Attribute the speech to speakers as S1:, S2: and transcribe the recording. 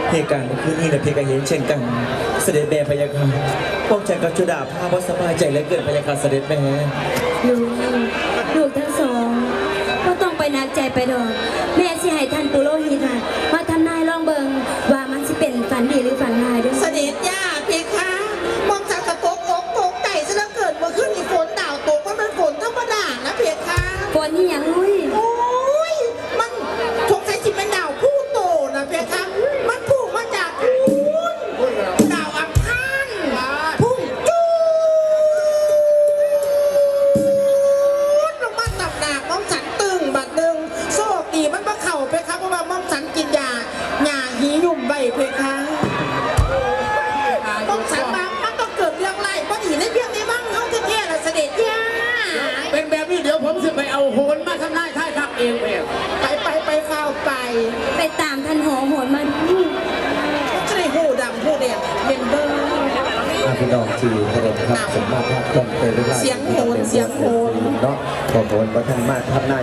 S1: เหตุการณ์เมื่อคืนนี้นะเพคะเห็นเช่นกันเสด็จแม่พะยาค่ะพวกฉันกับจุดาภาพว่าสบายใจเหลือเกินพะยาค่ะเสด็จแม่
S2: ลูกทั้งสองก็ต้องไปนักใจไปดอกแม่สิให้ท่านปุโรหิตมาทำนายลองเบิงว่ามันสิเป็นฝันดีหรือฝันร้ายด้วย
S3: เสด็จย่าเพคะมองจากกระโปกอกโกกไก่ซะแล้วเกิดเมื่อขึ้นมีฝนดาวตกมันเป็นฝนธรรมดานะเพคะ
S2: ฝนที่ยังลุย
S3: โอ้ยมันสงสัยสิเป็นดาวผู้โตนะเพคะมันพุ่งมาจากดาวอังคารพุ่งจูดลงมาตับหนักมอมฉันตึงบัดหนึ่งโชคดีมันมาเข่าเพคะเพราะว่ามอมฉันกินยาหียุ่มใบเพคะมอมฉันมามันต้องเกิดเรื่องไรเพราะหีในเพียงในบ้างเขาแท้ๆละเสด็จย่า
S4: เป็นแบบนี้เดี๋ยวผมจะไปเอาโหนมาทำนายท่ายทักเองแบบ
S3: ไปข้าวไป
S2: ไปตามท่านหอโหนมาดู
S3: จะได้หูดำหูแดงเป็นเบอร์
S5: พี่น้องที่เคารพครับสมมาตรภาพต้นเป็นเวลา
S3: เสียงโหน
S5: เนาะขอโหนประทันมาทำหน้า